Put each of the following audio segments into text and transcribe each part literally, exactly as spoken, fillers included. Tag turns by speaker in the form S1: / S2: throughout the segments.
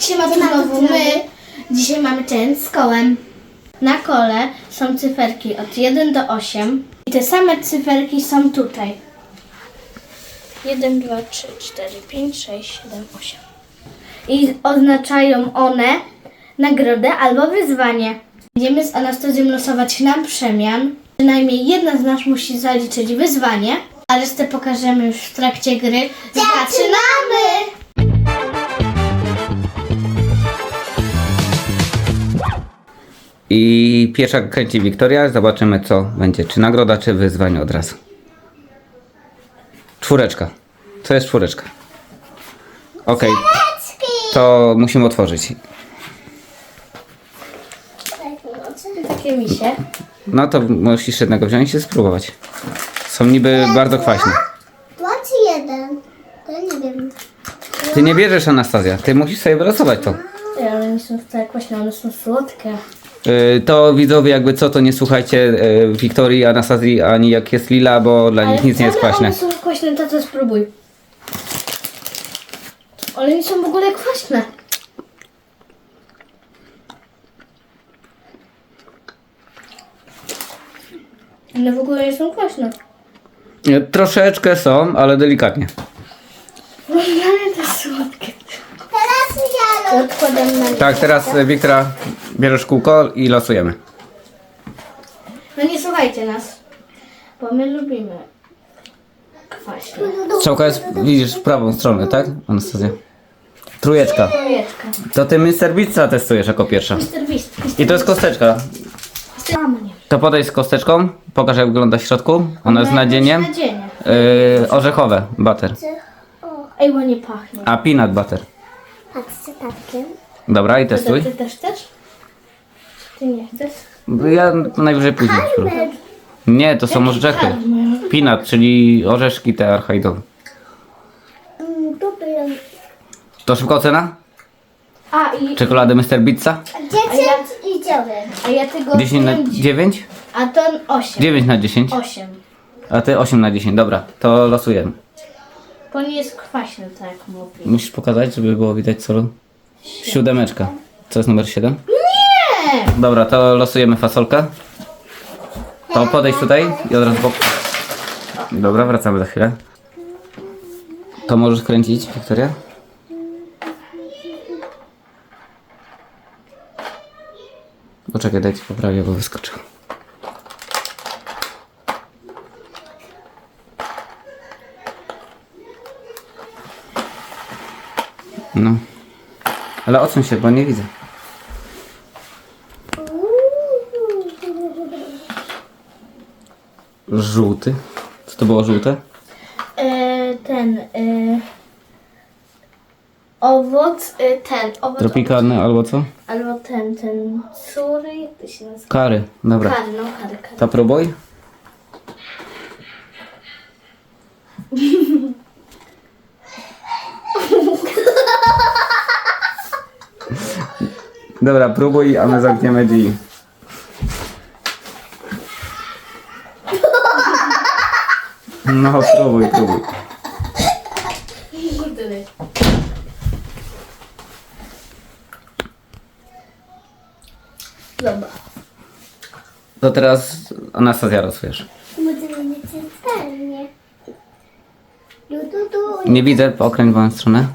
S1: Siema, tu znowu my. Dzisiaj mamy challenge z kołem. Na kole są cyferki od jeden do ośmiu i te same cyferki są tutaj. jeden, dwa, trzy, cztery, pięć, sześć, siedem, osiem. I oznaczają one nagrodę albo wyzwanie. Będziemy z Anastazją losować na przemian. Przynajmniej jedna z nas musi zaliczyć wyzwanie, a resztę pokażemy już w trakcie gry. Zaczynamy!
S2: I pierwsza kręci Wiktoria. Zobaczymy, co będzie. Czy nagroda, czy wyzwanie od razu. Czwóreczka. Co jest czwóreczka? Okej. To musimy otworzyć.
S1: Takie misie.
S2: No to musisz jednego wziąć i spróbować. Są niby bardzo kwaśne.
S3: Dwa czy jeden? To ja nie wiem.
S2: Ty nie bierzesz, Anastazja. Ty musisz sobie wylosować to.
S1: Ej, ale nie są wcale kwaśne, one są słodkie.
S2: Yy, to widzowie, jakby co, to nie słuchajcie yy, Wiktorii, Anastazji, ani jak jest Lila, bo dla nich nic nie jest
S1: wcale
S2: kwaśne.
S1: one są kwaśne, tato spróbuj. One nie są w ogóle kwaśne. One w ogóle nie są kwaśne.
S2: Yy, Troszeczkę są, ale delikatnie.
S1: No ale to słodkie.
S3: Teraz ja
S1: To odkładam na...
S2: Tak, teraz yy, Wiktora bierzesz kółko i losujemy.
S1: No nie słuchajcie nas, bo my lubimy kwaśne.
S2: Strzałka jest, widzisz, w prawą stronę, tak, Anastazja? Trójeczka.
S1: Trójeczka.
S2: To ty mister Beasta testujesz jako pierwsza.
S1: mister Beast.
S2: I to jest kosteczka.
S1: Mama nie.
S2: To podejdź z kosteczką, pokaż jak wygląda w środku. Ona jest nadzieniem.
S1: Nadzienie.
S2: Yy, orzechowe, butter.
S1: Ej, ładnie pachnie.
S2: A peanut butter.
S3: patrzcie takiem.
S2: Dobra, i
S1: Ty,
S2: testuj.
S1: ty też chcesz? Ty nie chcesz?
S2: Ja najwyżej później spróbuję. Nie, to są orzechy. Peanut, czyli orzeszki te archaidowe.
S3: Mm, tu byłem.
S2: To szybka ocena?
S1: A i...
S2: Czekolady mister Beasta?
S3: Dziesięć i dziewięć.
S1: A ja tego
S2: dziesięć na
S1: pięć,
S2: dziewięć?
S1: a to osiem.
S2: dziewięć na dziesięć.
S1: osiem.
S2: A ty osiem na dziesięć. Dobra, to losujemy.
S1: Bo nie jest kwaśny, tak jak mówię.
S2: Musisz pokazać, żeby było widać co. Siódemeczka. Co jest numer siedem?
S1: Nie!
S2: Dobra, to losujemy fasolkę. To podejdź tutaj i od razu bok. Dobra, wracamy za chwilę. To możesz kręcić, Wiktoria? Poczekaj, dajcie poprawię, bo wyskoczył. No. Ale odsuń się, bo nie widzę. Żółty. Co to było żółte?
S1: E, ten... E, owoc... E, ten... Owoc,
S2: Tropikalny albo co?
S1: albo ten, ten... Sury, jak to się nazywa?
S2: Kary. Dobra.
S1: Kary, no kary, kary.
S2: To próbuj. Dobra, próbuj, a my zamkniemy drzwi. No, próbuj, próbuj.
S1: Dobra.
S2: To teraz Anastazja losujesz.
S3: Będziemy mieć centralnie. Du, du, du.
S2: Nie widzę, okręć w moją stronę.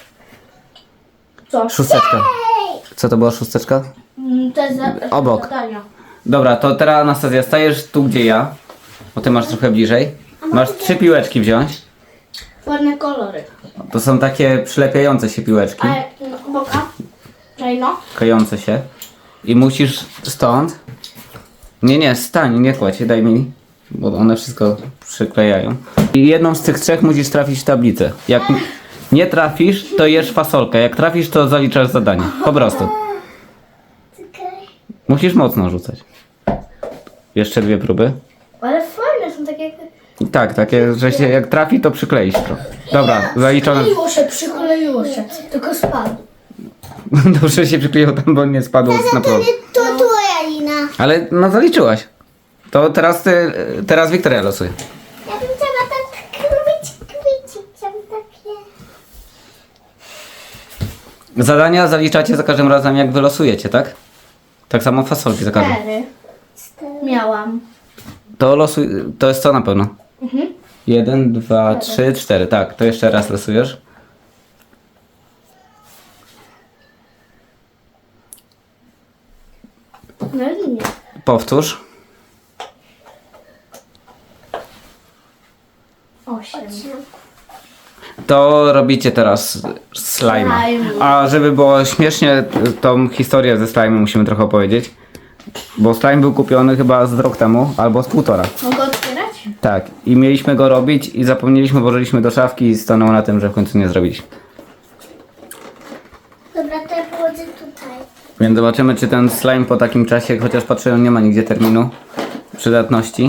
S1: Co?
S2: Szósteczka. Co to była szósteczka?
S1: Mm, To jest za,
S2: Obok.
S1: zadania.
S2: Dobra, to teraz Anastazja stajesz tu, gdzie ja. Bo ty masz trochę bliżej. Masz trzy piłeczki wziąć.
S1: Ładne kolory.
S2: To są takie przylepiające się piłeczki.
S1: A no, boka? Czaj no.
S2: Klejące się. I musisz stąd. Nie, nie, stań, nie kładź, daj mi. Bo one wszystko przyklejają. I jedną z tych trzech musisz trafić w tablicę. Jak nie trafisz, to jesz fasolkę. Jak trafisz, to zaliczasz zadanie. Po prostu.
S3: Czekaj.
S2: Musisz mocno rzucać. Jeszcze dwie próby.
S1: Ale fajne są takie...
S2: Tak, takie, że się jak trafi, to przykleisz trochę. Dobra, zaliczone.
S1: Przykleiło się, przykleiło się. Tylko spadł.
S2: Dobrze się przykleiło tam, bo nie spadło z naprawdę.
S3: To twoja lina.
S2: Ale no zaliczyłaś. To teraz ty, teraz Wiktoria losuje.
S3: Ja bym chciała tak robić kwici. Chciałam takie...
S2: Zadania zaliczacie za każdym razem, jak wylosujecie, tak? Tak samo fasolki za każdym.
S1: Cztery
S3: Cztery.
S1: miałam.
S2: To losuj, to jest co na pewno?
S1: Mhm.
S2: Jeden, dwa, trzy, cztery. Tak, to jeszcze raz losujesz.
S1: No i nie.
S2: Powtórz.
S1: Osiem.
S2: To robicie teraz slime.
S1: Slime.
S2: A żeby było śmiesznie, tą historię ze slime musimy trochę opowiedzieć. Bo slime był kupiony chyba z rok temu, albo z półtora.
S1: Mogę otwierać?
S2: Tak. I mieliśmy go robić i zapomnieliśmy, włożyliśmy do szafki i stanęło na tym, że w końcu nie zrobiliśmy.
S3: Dobra, to ja położę tutaj.
S2: Więc zobaczymy, czy ten slime po takim czasie, chociaż patrzyłem, nie ma nigdzie terminu przydatności.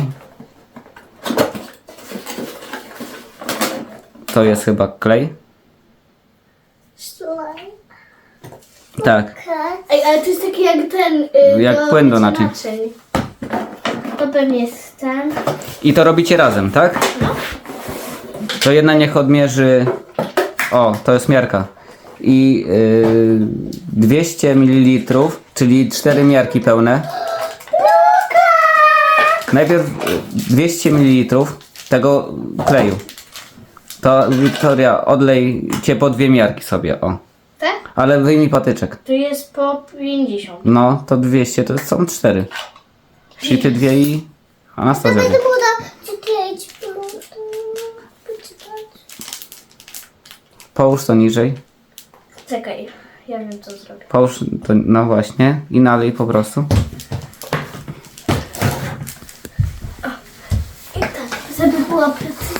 S2: To jest chyba klej.
S3: Slime.
S2: Tak.
S3: Kat.
S1: Ej, ale to jest taki jak ten... y,
S2: Jak płyn do naczyń.
S1: To pewnie jest ten.
S2: I to robicie razem, tak? To jedna niech odmierzy... O, to jest miarka. I yy, dwieście mililitrów, czyli cztery miarki pełne. Najpierw y, dwieście mililitrów tego kleju. To Wiktoria, odlejcie po dwie miarki sobie, o.
S1: Tak?
S2: Ale wyjmij patyczek.
S1: Tu jest po pięćdziesiąt.
S2: No, to dwieście, to są cztery. Czyli ty dwie i Anastazja.
S3: Będę
S2: dwie.
S3: mogła czytać. Poczytać.
S2: Połóż to niżej.
S1: Czekaj, ja wiem co zrobię.
S2: Połóż to, no właśnie. I nalej po prostu.
S1: I tak, żeby była precyzja.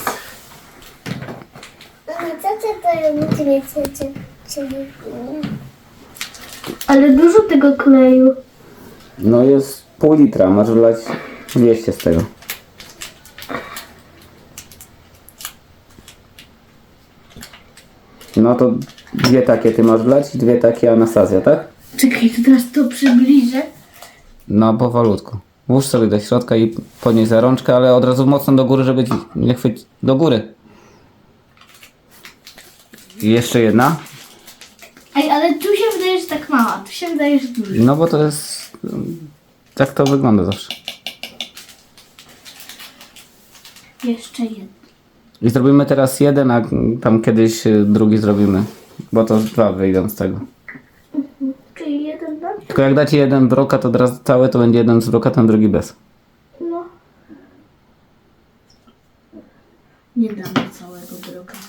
S3: Ale co to to nie chcecie? Czyli
S1: Ale dużo tego kleju.
S2: No jest pół litra, masz wlać dwieście z tego. No to dwie takie ty masz wlać i dwie takie Anastazja, tak?
S1: Czekaj, to teraz to przybliżę.
S2: No powolutku. Włóż sobie do środka i podnieś za rączkę, ale od razu mocno do góry, żeby ci nie chwycić. Do góry. I jeszcze jedna.
S1: Ej, ale tu się wydaje, że tak mała. Tu się wydaje, że duża.
S2: No bo to jest... Tak to wygląda zawsze.
S1: Jeszcze jedna.
S2: I zrobimy teraz jeden, a tam kiedyś y, drugi zrobimy. Bo to dwa wyjdą z tego.
S1: Czyli jeden dam?
S2: Tylko jak dacie jeden brokat od razu cały, to będzie jeden z brokatem, drugi bez.
S1: No. Nie damy całego brokatu.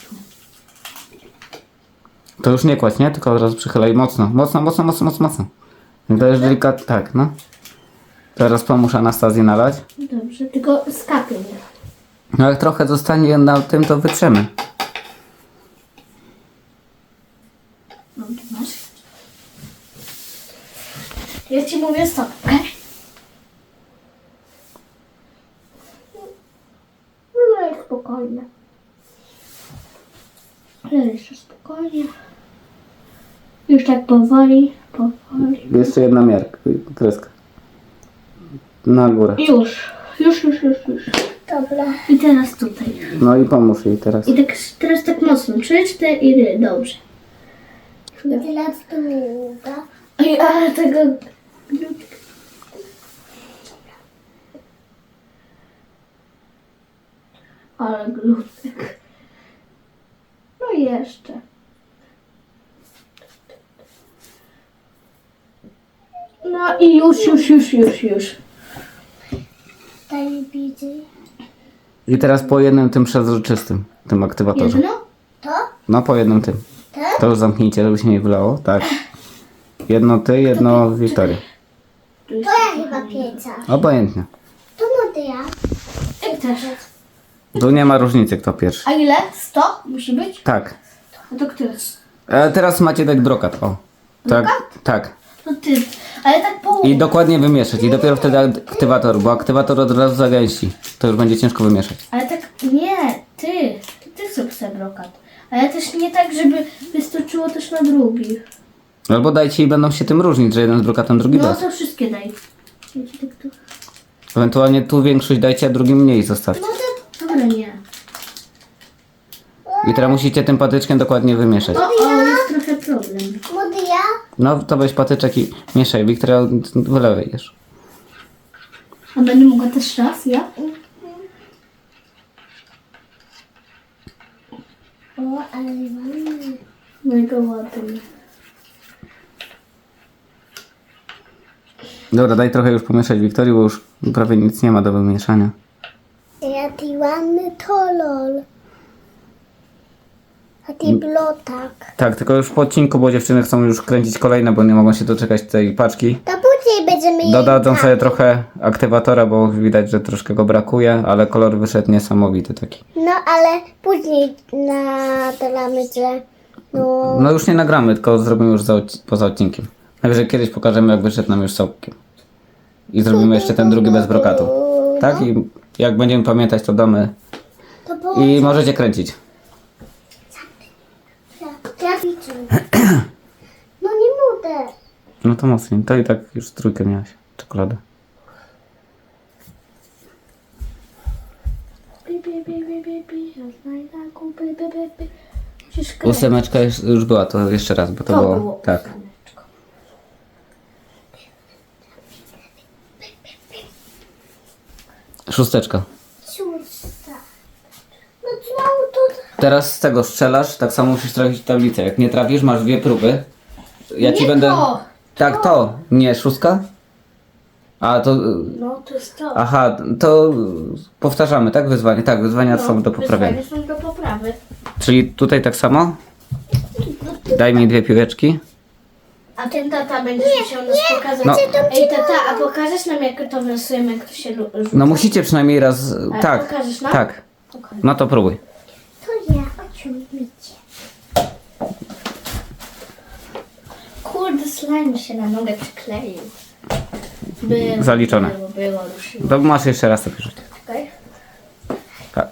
S2: To już nie kładź, nie? Tylko od razu przychylaj mocno. Mocno, mocno, mocno, mocno, mocno. Jak dajesz delikatnie, tak, no. Teraz pomóż Anastazji nalać.
S1: Dobrze, tylko skapie nie.
S2: No jak trochę zostanie na tym, to wytrzemy.
S1: No, tu masz. Ja ci mówię stop, okej? No jak spokojnie. Ale jeszcze spokojnie. Już tak powoli, powoli.
S2: Jeszcze jedna miarka, kreska. Na górę.
S1: Już, już, już, już, już.
S3: dobra.
S1: I teraz tutaj.
S2: No i pomóż jej teraz.
S1: I tak, teraz tak mocno. Trzy, cztery, dobrze.
S3: Teraz długa.
S1: Ej, ale tego... Ale glutek. No i jeszcze. No i już, już, już, już, już.
S3: Daj bliżej.
S2: I teraz po jednym tym przezroczystym, tym aktywatorze.
S1: Jedno?
S3: To?
S2: No po jednym tym.
S3: Tak?
S2: To już zamknijcie, żeby się nie wylało. Tak. Jedno ty, jedno Wiktoria.
S1: Tu jest
S3: To ja chyba pieca.
S2: Obojętnie.
S3: To młody ja.
S1: Jak też.
S2: Tu nie ma różnicy, kto pierwszy.
S1: A ile? sto? Musi być?
S2: Tak.
S1: A to który?
S2: E, teraz macie dać brokat, o. Tak, tak.
S1: To ty. Ale tak połowę.
S2: I dokładnie wymieszać. I dopiero wtedy aktywator, bo aktywator od razu zagęści. To już będzie ciężko wymieszać.
S1: Ale tak, nie, ty. To ty zrób sobie brokat. Ale też nie tak, żeby wystoczyło też na drugi.
S2: Albo dajcie i będą się tym różnić, że jeden z brokatem, drugi
S1: No
S2: bez.
S1: to wszystkie daj. Ja ci tak tu...
S2: Ewentualnie tu większość dajcie, a drugi mniej zostawcie.
S3: Może
S1: Dobra, nie.
S2: I teraz musicie tym patyczkiem dokładnie wymieszać.
S1: O, o, jest trochę problem. problem.
S3: Młody ja?
S2: No to weź patyczek i mieszaj. Wiktoria, wylewaj już.
S1: A będę mogła też raz, ja?
S3: O, ale ładnie.
S1: Mega ładnie.
S2: Dobra, daj trochę już pomieszać Wiktorii, bo już prawie nic nie ma do wymieszania.
S3: Jaki ładny kolor. A ty blotak.
S2: Tak, tylko już po odcinku, bo dziewczyny chcą już kręcić kolejne, bo nie mogą się doczekać tej paczki.
S3: To później będziemy
S2: Dodadzą
S3: jej
S2: sobie
S3: bawić.
S2: trochę aktywatora, bo widać, że troszkę go brakuje, ale kolor wyszedł niesamowity taki.
S3: No ale później nadalamy, że no...
S2: No już nie nagramy, tylko zrobimy już za, odci- poza odcinkiem. Najwyżej kiedyś pokażemy, jak wyszedł nam już całkiem. I zrobimy jeszcze ten drugi bez brokatu. Tak? I jak będziemy pamiętać, to damy.
S3: To po...
S2: I możecie kręcić.
S3: Ja widzę. No nie mogę.
S2: No to mocniej. To i tak już trójkę miałaś. Czekoladę.
S1: Bi, bi, bi, bi, bi, bi, ja znajdę kupy, bi, bi, bi. Musisz kręcić.
S2: Ósemeczka już, już była, to jeszcze raz, bo to,
S1: To
S2: było.
S1: było
S2: Tak.
S1: ósemeczko.
S2: Szósteczka.
S3: Szósta. No znowu to...
S2: Teraz z tego strzelasz, tak samo musisz trafić w tablicę. Jak nie trafisz, masz dwie próby. Ja ci
S1: Nie
S2: będę.
S1: to,
S2: Tak, to. Nie, szóstka? A to.
S1: No to jest to.
S2: Aha, to powtarzamy, tak? Wyzwanie. Tak, wyzwania
S1: No,
S2: są do poprawienia.
S1: wyzwania są do poprawy.
S2: Czyli tutaj tak samo? Daj mi dwie piłeczki.
S1: A ten tata będzie musiał nas pokazać.
S2: No.
S1: Ej tata, a pokażesz nam jak to wylosujemy, jak to się lu- rzuca?
S2: No musicie przynajmniej raz.
S1: A
S2: Tak.
S1: pokażesz nam?
S2: Tak.
S1: Okej.
S2: No to próbuj.
S3: To ja, ociągnijcie.
S1: Kurde, slime się na nogę przykleił. Było,
S2: Zaliczone.
S1: Było, było, ruszyło.
S2: To masz jeszcze raz to rzucić.
S1: Okej.
S2: Tak.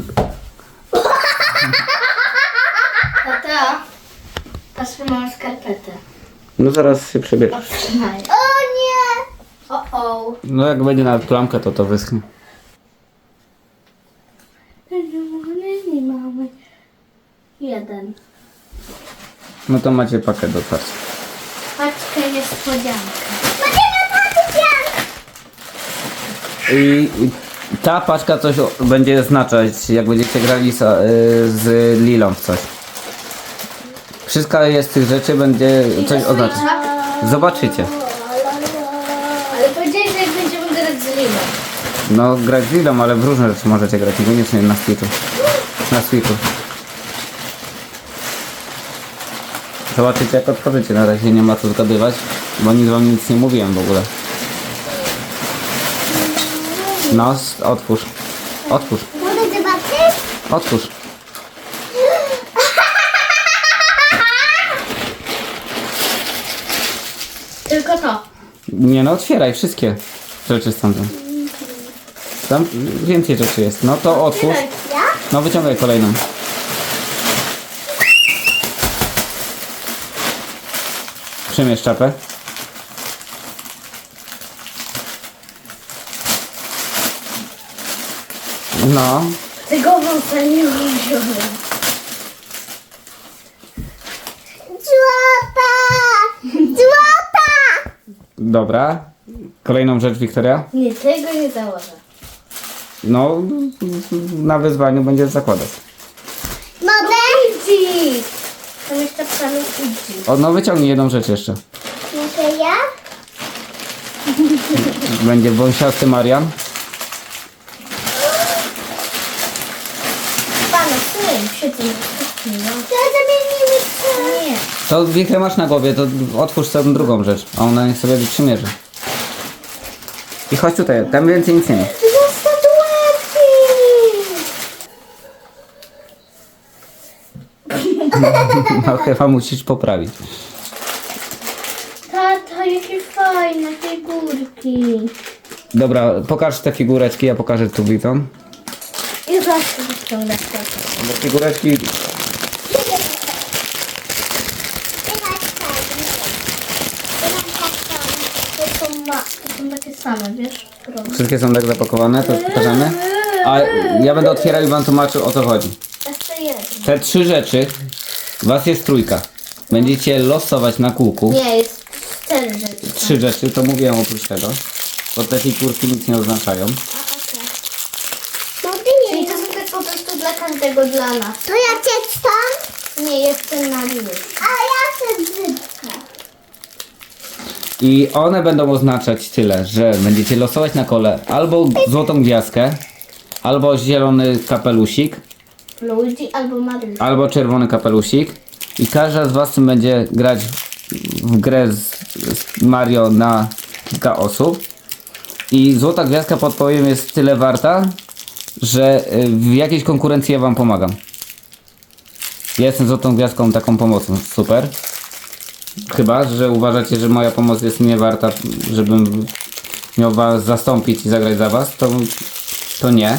S1: Tata, patrz, mam skarpetę.
S2: No zaraz się przebierz.
S1: Otrzymaj.
S3: O nie!
S1: O, o.
S2: No jak będzie na plamkę, to to wyschnie.
S1: Nie mamy. Jeden.
S2: No to macie pakiet do otwarcia.
S1: Paczka niespodzianka.
S2: I i ta paczka coś o- będzie znaczyć, jak będziecie grali z, y, z Lilą w coś. Wszystko jest z tych rzeczy, będzie coś oznaczać. Zobaczycie.
S1: Ale powiedziałeś, że jak będziemy grać z Liną.
S2: No grać z Lilą, ale w różne rzeczy możecie grać, niekoniecznie na Switchu. Na Switchu. Zobaczycie jak otworzycie, na razie nie ma co zgadywać, bo nic wam nic nie mówiłem w ogóle. No, s- otwórz. Otwórz.
S3: Mogę zobaczyć?
S2: Otwórz.
S1: Tylko to.
S2: Nie no, otwieraj wszystkie rzeczy stąd. Tam więcej rzeczy jest. No to otwórz.
S3: Ja?
S2: No wyciągaj kolejną. Przymierz czapę. No.
S1: Tego wąsa nie wziąłem.
S3: Złota! Złota!
S2: Dobra. Kolejną rzecz, Wiktoria.
S1: Nie, tego nie założę.
S2: No, na wyzwaniu będziesz zakładać.
S3: Mogę?
S1: Idzi! Tam jeszcze psami idzi.
S2: O, no wyciągnij jedną rzecz jeszcze.
S3: Mogę ja?
S2: Będzie wąsiasty Marian.
S1: Pana, syn, świetnie. No.
S3: To zamienimy się.
S1: Nie.
S2: To wichę masz na głowie, to otwórz sobie drugą rzecz, a ona niech sobie przymierzy. I chodź tutaj, tam więcej nic nie ma.
S3: Dwie statuetki!
S2: No chyba musisz poprawić.
S1: Tata, jakie fajne figurki.
S2: Dobra, pokaż te figureczki, ja pokażę tu widzom.
S1: I zawsze wyciągać tata.
S2: Bo figureczki,
S1: To są, ma, to są takie same, wiesz? Proste.
S2: wszystkie są tak zapakowane, to pokażemy. A ja będę otwierał i wam tłumaczył o co chodzi.
S1: Jeszcze jeden.
S2: Te trzy rzeczy, was jest trójka. Będziecie losować na kółku.
S1: Nie, jest cztery rzeczy.
S2: Trzy rzeczy, to mówiłem oprócz tego. Bo te figurki nic nie oznaczają.
S3: Mogę
S1: Czyli
S3: nie.
S1: to są tak po prostu dla każdego dla nas.
S3: To ja cię stąd,
S1: Nie, jestem na już.
S3: a ja chcę brzydka.
S2: I one będą oznaczać tyle, że będziecie losować na kole albo złotą gwiazdkę, albo zielony kapelusik,
S1: Luigi albo Maryl.
S2: albo czerwony kapelusik. I każda z was tym będzie grać w grę z, z Mario na kilka osób. I złota gwiazdka, podpowiem, jest tyle warta, że y, w jakiejś konkurencji ja wam pomagam. Ja jestem złotą gwiazdką taką pomocą. Super. Chyba, że uważacie, że moja pomoc jest nie warta, żebym miał was zastąpić i zagrać za was, to, to nie.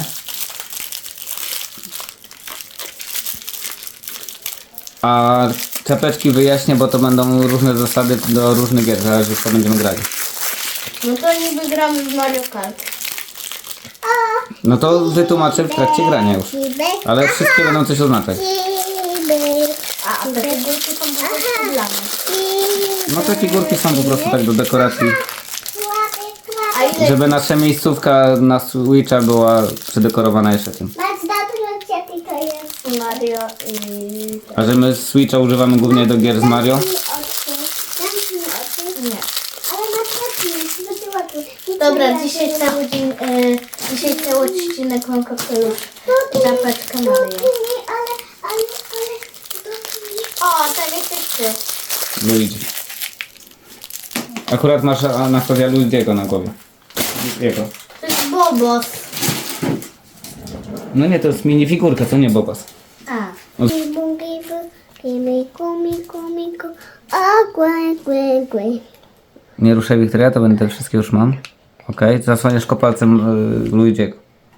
S2: A czapeczki wyjaśnię, bo to będą różne zasady do różnych gier, zależy w co będziemy grali.
S1: No to niby gramy w Mario Kart.
S2: No to wytłumaczę w trakcie grania już. Ale wszystkie będą coś oznaczać.
S1: A, a te figurki są po prostu dla nas.
S2: No te figurki są po prostu tak do dekoracji,
S1: A ile...
S2: żeby nasza miejscówka na Switcha była przedekorowana jeszcze tym.
S3: Masz dobrze, jaki to jest.
S1: Mario i...
S2: A że my Switcha używamy głównie do gier z Mario,
S3: Zamknij oczy. Zamknij oczy.
S1: Nie.
S3: Ale masz oczy, zbyt ładnie. Nie
S1: Dobra,
S3: trzeba
S1: dzisiaj
S3: się-
S1: cały dzień, e, dzisiaj cały odcinek mam kapelusz i czapeczkę Mario.
S3: Dotknij, ale, ale, ale, dotknij.
S1: O, tak jesteś ty.
S2: Luigi. Akurat masz Anastazja Luigiego na głowie. Jego.
S1: To jest Bobos.
S2: No nie, to jest minifigurka, to nie Bobas.
S1: A.
S3: Gibu, gibu, gimiku, miku, miku. O, głę, głę, głę.
S2: Nie ruszaj, Wiktoria, to będę te wszystkie już mam. Okej, zasłaniasz kopalcem y, Luigiego.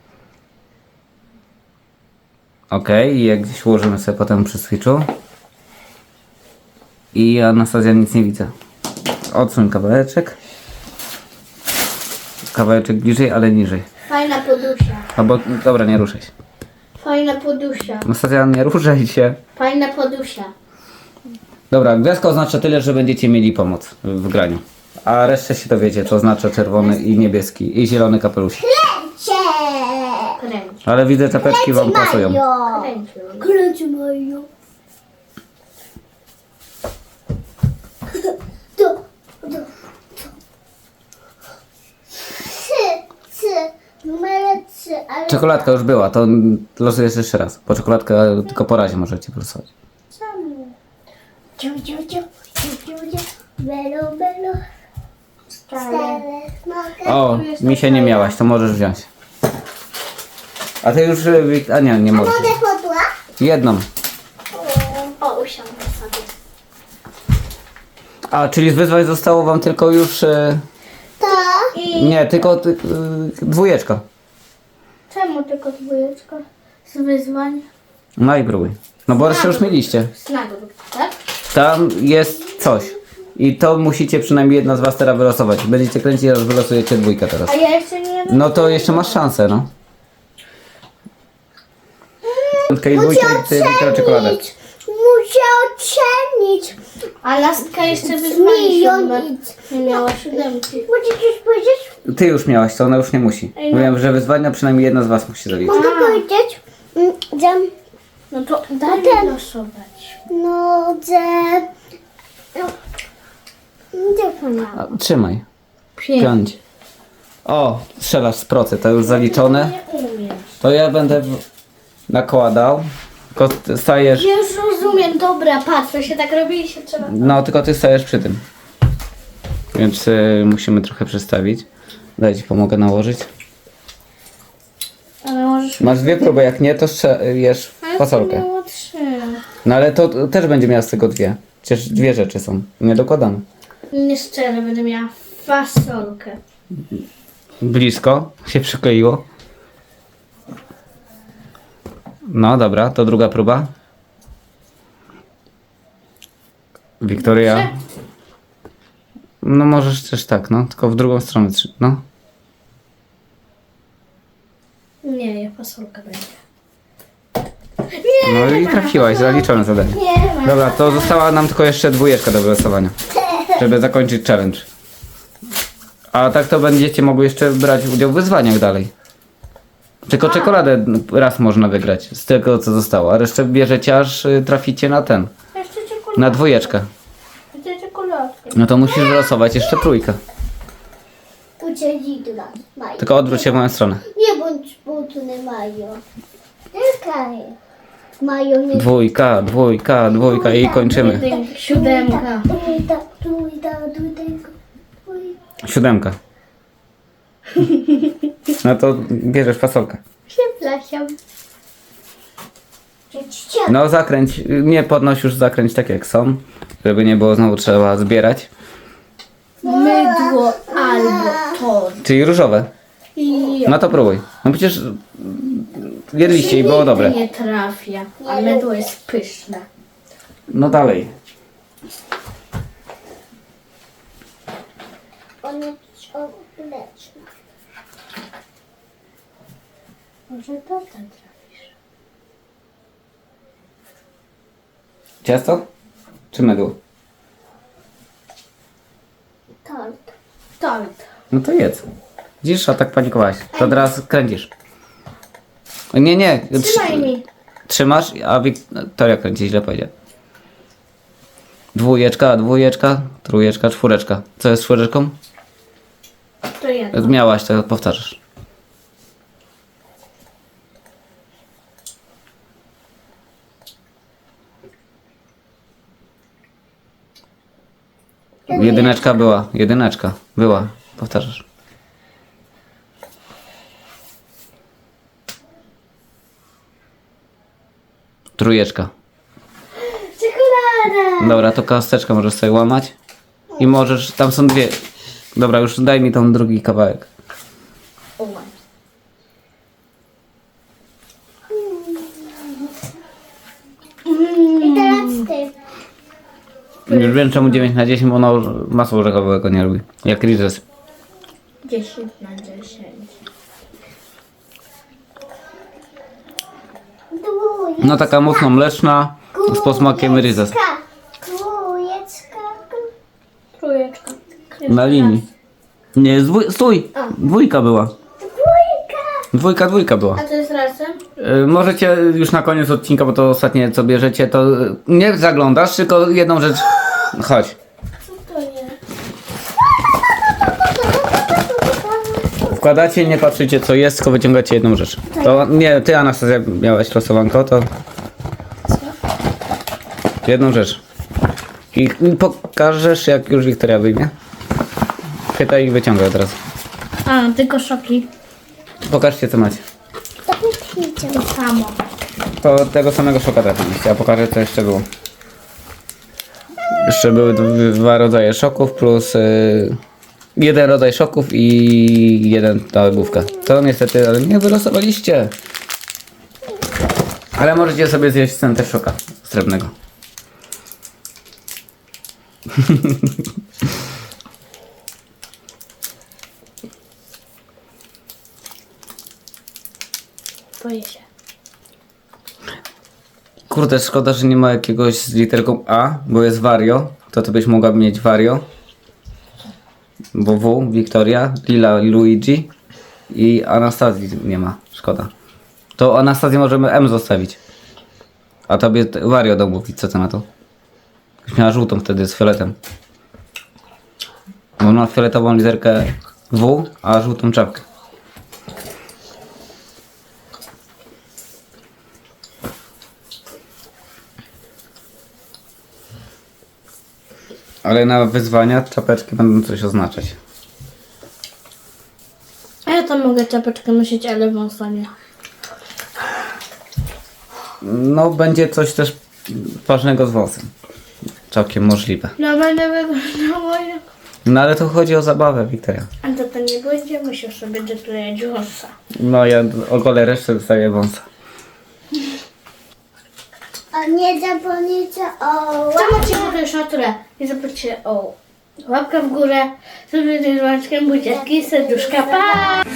S2: Okej, i jak gdzieś ułożymy sobie potem przy Switchu. I Anastazja, nic nie widzę. Odsuń kawałeczek. Kawałeczek bliżej, ale niżej.
S1: Fajna podusia.
S2: Albo, dobra, nie ruszaj się.
S1: Fajna podusia.
S2: Anastazja, nie ruszaj się.
S1: Fajna podusia.
S2: Dobra, gwiazdka oznacza tyle, że będziecie mieli pomoc w graniu. A resztę się dowiecie, co oznacza czerwony i niebieski i zielony kapelusz.
S3: Cie!
S1: Kręć.
S2: Ale widzę, czapeczki wam pasują.
S3: Mario.
S1: Kręć.
S3: Kręć Mario. To, to, to. Trzy, trzy. Numer trzy, ale...
S2: Czekoladka już była, to losujesz jeszcze raz. Bo czekoladkę tylko po razie możecie losować.
S3: Czemu? Ciu, ciu, ciu, ciu, ciu, ciu. Belo, belo. Cztery. Mogę?
S2: O, mi się nie miałaś, to możesz wziąć. A ty już, y, Wik- a nie, nie możesz.
S3: Mogę podła?
S2: Jedną.
S1: O, usiądę sobie.
S2: A, czyli z wyzwań zostało wam tylko już... y,
S3: To.
S1: I
S2: Nie, tylko ty, y, dwójeczka.
S1: czemu tylko dwójeczka? Z wyzwań?
S2: No i próbuj. No bo resztę już mieliście.
S1: Z nagród, tak?
S2: Tam jest coś. I to musicie przynajmniej jedna z was teraz wylosować. Będziecie kręcić, aż wylosujecie dwójkę teraz.
S1: A ja jeszcze nie...
S2: No to jeszcze masz szansę, no. Piątka i dwójkę i ty Wiktoria czekoladę.
S3: Muszę ocenić.
S1: A lastka jeszcze wyzwanie
S3: Milion
S1: siódme.
S3: nic.
S1: Nie miała siódemki.
S3: Możesz coś powiedzieć?
S2: Ty już miałaś, to ona już nie musi.
S1: Ej, no.
S2: Mówiłem, że wyzwania przynajmniej jedna z was musi zrobić.
S3: Mogę
S1: A.
S3: powiedzieć? Mm, Że...
S1: No to daj
S3: ten.
S1: mi losować.
S3: No, że... No. Gdzie pana?
S2: A, trzymaj.
S1: Pięć.
S2: Piąć. O, strzelasz z procy, to już zaliczone.
S1: Nie umiem.
S2: To ja będę w... nakładał. Tylko ty stajesz...
S1: Ja już rozumiem, dobra, patrz, to się tak robi i się trzeba...
S2: No, tylko ty stajesz przy tym. Więc y, musimy trochę przestawić. Daj ci pomogę nałożyć.
S1: Ale możesz...
S2: Masz dwie próby, jak nie, to jesz
S1: Ale to
S2: fasolkę.
S1: miało trzy.
S2: No ale to to też będzie miała z tego dwie. Przecież dwie rzeczy są niedokładane.
S1: Nie szczerze, będę miała fasolkę.
S2: Blisko się przykleiło. No dobra, to druga próba. Wiktoria. No możesz też tak, no. Tylko w drugą stronę. trzy- No.
S1: Nie, ja fasolka będzie.
S2: No i trafiłaś, zaliczone zadanie.
S1: Nie ma.
S2: Dobra, to została nam tylko jeszcze dwójeczka do wylosowania, żeby zakończyć challenge. A tak to będziecie mogły jeszcze brać udział w wyzwaniach dalej. Tylko czekoladę raz można wygrać z tego co zostało, a resztę bierzecie aż y, traficie na ten,
S1: Jeszcze czekoladkę.
S2: na dwójeczkę.
S1: Jeszcze czekoladkę.
S2: No to musisz wylosować jeszcze trójkę.
S3: Uciekidła. Mają.
S2: Tylko odwróć się w moją stronę.
S3: Nie bądź smutny, Majo. Czekaj. Majo, nie...
S2: Dwójka, dwójka, dwójka i kończymy.
S1: Jedynka, siódemka.
S3: Trójka, trójka, trójka, trójka.
S2: Siódemka. No to bierzesz fasolkę.
S1: Przepraszam.
S2: No zakręć, nie podnoś już zakręć tak jak są, żeby nie było znowu trzeba zbierać.
S1: Mydło albo tort.
S2: Czyli różowe.
S1: I
S2: No to próbuj. No przecież mm, jedliście i było dobre.
S1: nie trafia, a mydło jest pyszne.
S2: No dalej.
S3: On jest obleczny.
S1: Może to ten trafisz.
S2: Ciasto? Czy mydło?
S3: Tort.
S1: Tort.
S2: No to jedz. Widzisz, a tak panikowałaś. To teraz kręcisz. Nie, nie.
S1: Trzymaj
S2: trzy-
S1: mi.
S2: Trzymasz, a Wiktoria kręci, źle powiedział. Dwójeczka, dwójeczka, trójeczka, czwóreczka. Co jest z czwóreczką?
S1: To jedno.
S2: Miałaś, to powtarzasz. Jedyneczka była, jedyneczka była, powtarzasz. Trójeczka.
S1: Czekolada.
S2: Dobra, to kosteczkę możesz sobie łamać. I możesz, tam są dwie. Dobra, już daj mi tą drugi kawałek.
S1: O,
S3: I teraz ty.
S2: Już wiem czemu dziewięć na dziesięć, bo ona masło orzechowego nie lubi. Jak Rizes.
S1: dziesięć na dziesięć.
S3: Dwójeczka.
S2: No taka mocno mleczna, z posmakiem Rizes.
S3: Dwójeczka.
S1: Trójeczka.
S2: Na linii. Nie, dwój, stój! Dwójka była.
S3: Dwójka.
S2: Dwójka, dwójka była.
S1: A to jest razem?
S2: Y, możecie już na koniec odcinka, bo to ostatnie co bierzecie, to y, nie zaglądasz, tylko jedną rzecz. Chodź.
S1: Co to jest?
S2: Wkładacie, nie patrzycie co jest, tylko wyciągacie jedną rzecz. To nie, ty Anastazja miałaś losowanko, to jedną rzecz. I pokażesz jak już Wiktoria wyjmie. Pytaj i wyciągaj od razu.
S1: A, tylko szoki.
S2: Pokażcie co macie.
S3: To pięknie.
S1: To samo.
S2: To tego samego szoka trafiliście, ja pokażę co jeszcze było. Jeszcze były d- dwa rodzaje szoków plus y, jeden rodzaj szoków i jeden ta główka. To niestety ale nie wylosowaliście. Ale możecie sobie zjeść ten też szoka srebrnego.
S1: Boję się.
S2: Kurde, szkoda, że nie ma jakiegoś z literką A, bo jest Wario. To ty byś mogła mieć Wario. Bo W, Wiktoria, Lila, Luigi i Anastazji nie ma. Szkoda. To Anastazję możemy M zostawić. A tobie t- Wario dał mówić, co ty na to? Byś miała żółtą wtedy z fioletem. Bo ma fioletową literkę W, a żółtą czapkę. Ale na wyzwania czapeczki będą coś oznaczać.
S1: A ja tam mogę czapeczkę nosić, ale wąsa nie.
S2: No będzie coś też ważnego z wąsem. Całkiem możliwe.
S1: No będę wyglądała jak...
S2: No ale to chodzi o zabawę, Wiktoria.
S1: A to to nie będzie musiał sobie doklejać wąsa.
S2: No ja ogolę resztę dostaję wąsa.
S3: A nie zapomnijcie o
S1: Zobaczcie po tej szaturę i zobaczcie o łapkę w górę, subskrypcję z dzwoneczkiem, buziaczki, serduszka, pa!